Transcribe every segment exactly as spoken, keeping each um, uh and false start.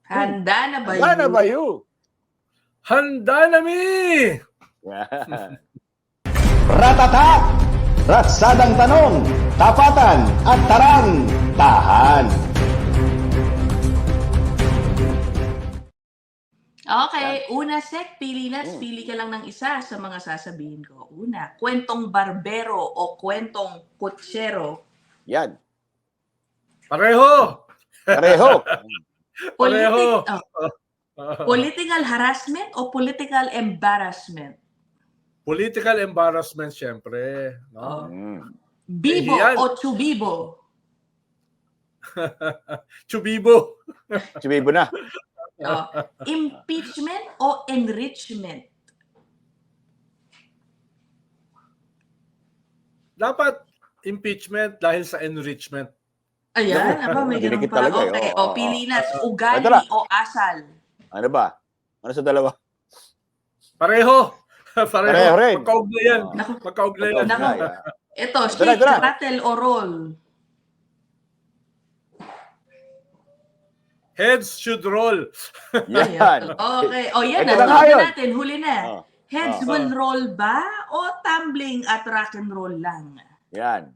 Handa na ba Handa na yun? ba yun? Handa na mi! Yan. Ratata! Ratsadang tanong, tapatan at tarang, tahan. Okay, una Sek, pili na, pili ka lang ng isa sa mga sasabihin ko. Una, kwentong barbero o kwentong kutsero. Yan. Pareho! Pareho. Pareho! oh, political harassment o political embarrassment? Political embarrassment, syempre. Oh. No? Mm. Bibo Eh, yan. o chubibo? Chubibo. Sumibo na. Oh. Impeachment o enrichment? Dapat impeachment dahil sa enrichment. Ayan, ako may ganun Dinikit pa. talaga eh. Okay, o Oo, pili na, oo. ugali Ito na. o asal? Ano ba? Ano sa dalawa? Pareho. Pareho. Pareho rin. Magkaugnayan. Naku. Magkaugnayan. Naku. Ay, ah. Ito, Ito na, shake, ito na. rattle o roll? Heads should roll. Yan. Okay. O yan Ito na, na nga huli yun. natin, huli na. Oh, Heads oh. will roll ba o tumbling at rock and roll lang? Yan.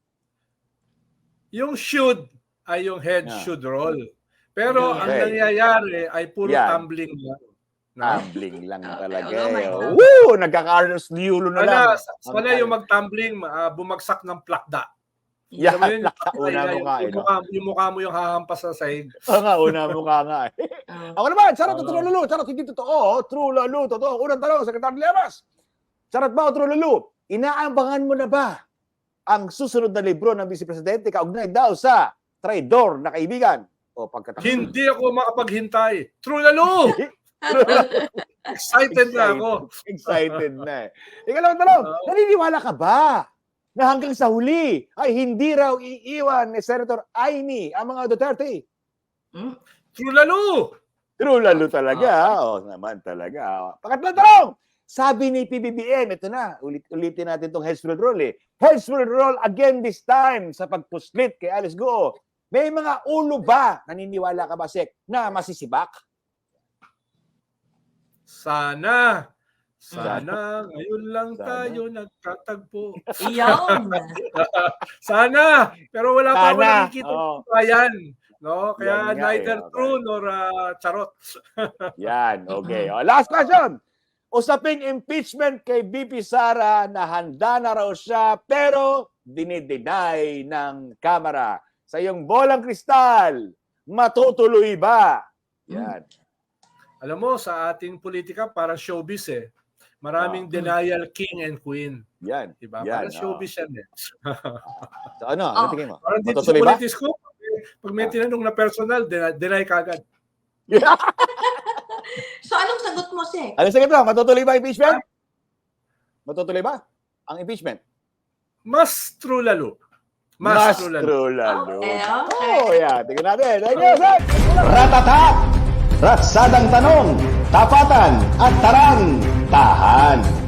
Yung should ay yung head Yeah. should roll. Pero ang Okay. nangyayari ay puro Yan. tumbling lang. No? Tumbling lang Okay, talaga. oh my eh. God. Woo! Nagka-Carlos Liulo na lang. Sana, sana yung mag-tumbling, ah, bumagsak ng plakda. Yan. Alam mo yun, Una ay- mukha, yung, eh, no? mukha, yung mukha mo yung hahampas sa sahig. Oo nga, una mukha nga eh. Oh. Ako naman, charot o Oo. true lalo? Charot, hindi totoo. True lalo, totoo. Unang tanong, Secretary Lemas. Charot ba o true lalo? Inaambangan mo na ba ang susunod na libro ng Vice Presidente kaugnay daw sa traidor na kaibigan? O pagkatapos? Hindi ako makapaghintay. True lalo! Excited na ako. Excited na eh. Ikalawang tanong, Oo. naniniwala ka ba na hanggang sa huli ay hindi raw iiwan ni Senator Amy ang mga Duterte? Hmm? True lalo! True lalo talaga. Oo naman talaga. Pangatlong tanong, sabi ni P B B M, ito na, ulit, ulitin natin itong heads will roll eh. Heads will roll again this time sa pagpuslit kay Alice Guo. May mga ulo ba, naniniwala ka ba, Sek, na masisibak? Sana. Sana. Ngayon lang Sana. tayo nagtatagpo. Iyon. Sana. Pero wala pa ako Sana. nakikita Oo. pa yan. No? Kaya Yan nga eh, neither okay. true nor ah, charot. Yan, okay. O, last question. Usaping impeachment kay B P Sara na handa na raw siya pero dinideny ng Kamara. Sa iyong bolang kristal, matutuloy ba? Yan. Alam mo, sa ating politika, para showbiz eh. Maraming Ah. denial king and queen. Yan. Diba? Yan, Para showbiz yan eh. So ano, ano Oh. tingin mo? Parang dito sa Matutuloy ba? politics ko, pag may tinanong na personal, deny, deny kagad. So, anong sagot mo, Sek? Ano sige to? Matutuloy ba impeachment? Matutuloy ba ang impeachment? Mas true lalo. Mas, Mas true lalo. true lalo. Okay, okay. Oh, yeah. Tingnan natin. Thank you, Sek. Ratata! Ratsadang tanong, tapatan at tarang, tahan.